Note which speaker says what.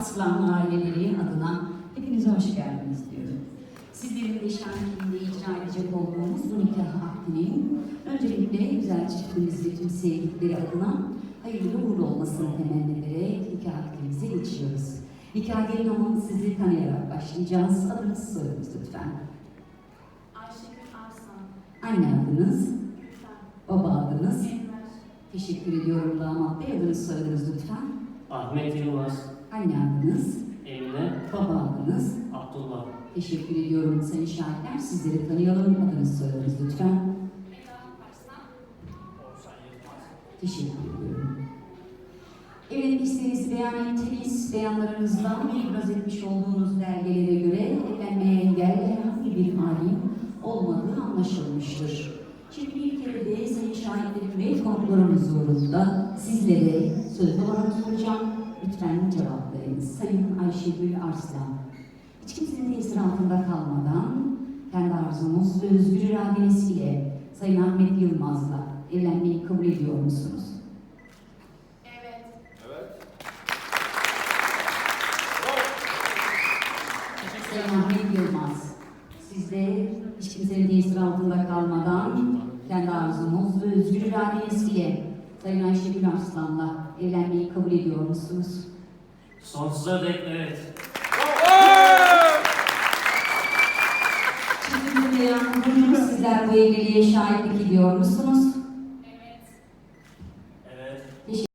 Speaker 1: Arslan aileleri adına hepinize hoş geldiniz diyorum. Sizlerin de şahitliğinde icra edecek olduğumuz bu nikah akdinin öncelikle güzel çiftimizi tüm sevdikleri adına hayırlı uğurlu olmasını temenni ederek nikah akdimize geçiyoruz. Nikah gelin hanım sizi tanıyarak başlayacağız. Adınız soyadınız lütfen.
Speaker 2: Ayşegül Arslan.
Speaker 1: Anne adınız,
Speaker 2: Gülten.
Speaker 1: baba adınız.
Speaker 2: Enver.
Speaker 1: Teşekkür ediyorum damat bey. Adınız soyadınız lütfen.
Speaker 3: Ahmet Yılmaz,
Speaker 1: Anne adınız,
Speaker 3: Emine,
Speaker 1: baba adınız.
Speaker 3: Abdullah.
Speaker 1: Teşekkür ediyorum sayın şahitler. Sizleri tanıyalım. Adınız soyadınız lütfen.
Speaker 2: Eda Arslan.
Speaker 3: Orsan Yılmaz.
Speaker 1: Teşekkür ediyorum. Evet, isteğinizi beyan ettiniz. Beyanlarınızdan ibraz etmiş olduğunuz belgelere göre evlenmeye engel herhangi bir halim olmadığı anlaşılmıştır. Şimdi bir kere de sayın şahitlerim ve konuklarım huzurunda sizlere söz olarak soracağım. Lütfen cevaplayınız. Sayın Ayşegül Arslan, hiç kimsenin tesiri altında kalmadan kendi arzunuz ve özgür iradeniz ile Sayın Ahmet Yılmaz'la evlenmeyi kabul ediyor musunuz?
Speaker 2: Evet.
Speaker 1: Sayın Ahmet Yılmaz, siz de hiç kimsenin tesiri altında kalmadan kendi arzunuz ve özgür iradeniz ile Sayın Ayşegül Arslan'la evlenmeyi kabul ediyor musunuz?
Speaker 3: Sonsuza dek evet.
Speaker 1: Şimdi beyan buyurun, sizler bu evliliğe şahitlik ediyor musunuz?